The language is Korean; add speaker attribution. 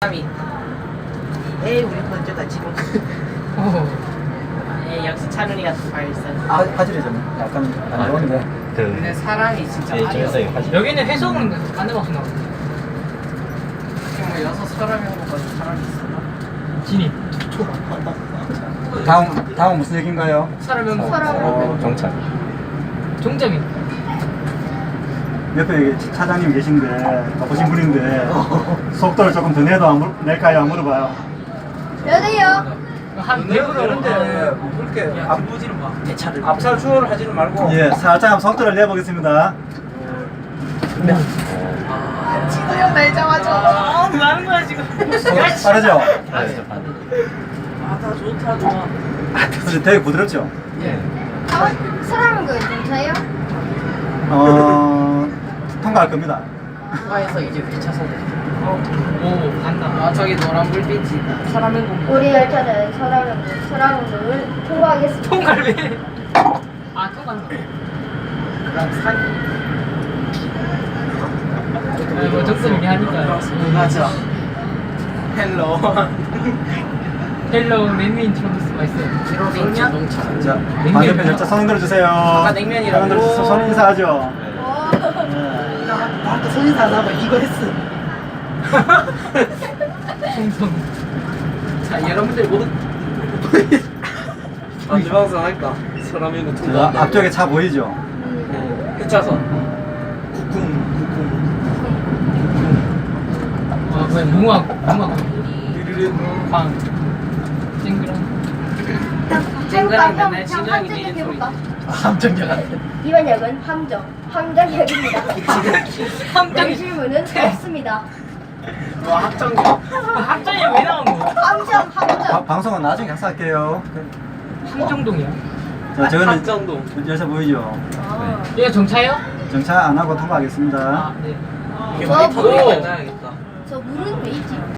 Speaker 1: 에이 우리 먼저 같이 먹. 에이 역시 찬훈이가 더 발산.
Speaker 2: 화질이 좀 약간 안 좋은데.
Speaker 1: 근데 사람이 진짜
Speaker 2: 저기 화질.
Speaker 3: 여기는 회속은 안 해봤어 나.
Speaker 1: 지금 뭐 6사람이 한 것까지 사람이 있었나?
Speaker 3: 진입.
Speaker 2: 다음 무슨 얘기인가요?
Speaker 3: 사람이
Speaker 2: 정찰.
Speaker 3: 종점이.
Speaker 2: 옆에 차장님 계신데 바쁘신 분인데 속도를 조금 더 내도 낼까요? 안 물어봐요.
Speaker 4: 여기요.
Speaker 3: 한 100으로
Speaker 5: 되는데 그렇게
Speaker 3: 앞부지는 봐.
Speaker 5: 앞살 추월을 하지는 말고
Speaker 2: 예, 살짝 한번 속도를 내보겠습니다.
Speaker 1: 진우 형 날짜마자.
Speaker 3: 뭐 하는 거야 지금?
Speaker 2: 빠르죠?
Speaker 1: 아다 좋다 좋아.
Speaker 2: 근데 되게 부드럽죠?
Speaker 1: 예.
Speaker 4: 사람은 그 경차예요?
Speaker 2: 통과할 겁니다.
Speaker 1: 통과해서 이제 회차선.
Speaker 3: 오 간다.
Speaker 1: 아 저기 노란 불빛이 있다. 사람의 공.
Speaker 4: 우리 열차는 서라운드를 통과하겠습니다.
Speaker 3: 통갈비. 아 통갈비.
Speaker 1: 그럼 산.
Speaker 3: 이거 적성이 하니까.
Speaker 1: 맞아. 헬로.
Speaker 3: 헬로 맨미 인트로듀스 마이셀.
Speaker 1: 뒤로 냉면.
Speaker 2: 자, 반대편 열차 손 흔들어 주세요.
Speaker 1: 아까 냉면이라고.
Speaker 2: 손 흔들어 주세요. 손 인사하죠.
Speaker 1: 아까 손인사 안 하고 이거 했어.
Speaker 3: 송송.
Speaker 1: 자 여러분들 모두
Speaker 5: 안주방송 할까? 사람이는
Speaker 2: 자, 앞쪽에 차 보이죠?
Speaker 5: 회차선
Speaker 3: 아 뭐야 무궁화
Speaker 5: 르르르
Speaker 3: 광. 쨍그랑.
Speaker 1: 쨍그랑 맨날 진영이
Speaker 4: 함정
Speaker 1: 내는 소리.
Speaker 4: 해볼까?
Speaker 1: 함정역 같아.
Speaker 4: 이번 역은 함정역입니다.
Speaker 3: 함정이.
Speaker 4: 명실문은 없습니다.
Speaker 1: 와 합정역.
Speaker 3: 합정이 왜 나온 거야?
Speaker 4: 함정.
Speaker 2: 방송은 나중에 학사할게요.
Speaker 3: 함정동이야.
Speaker 2: 자, 저거는
Speaker 5: 합정동.
Speaker 2: 열차 보이죠?
Speaker 4: 아.
Speaker 3: 얘가 정차예요?
Speaker 2: 정차 안 하고 통과하겠습니다.
Speaker 3: 아 네.
Speaker 4: 저
Speaker 5: 오!
Speaker 4: 물은
Speaker 5: 만나야겠다.
Speaker 4: 저 물은 왜 있지?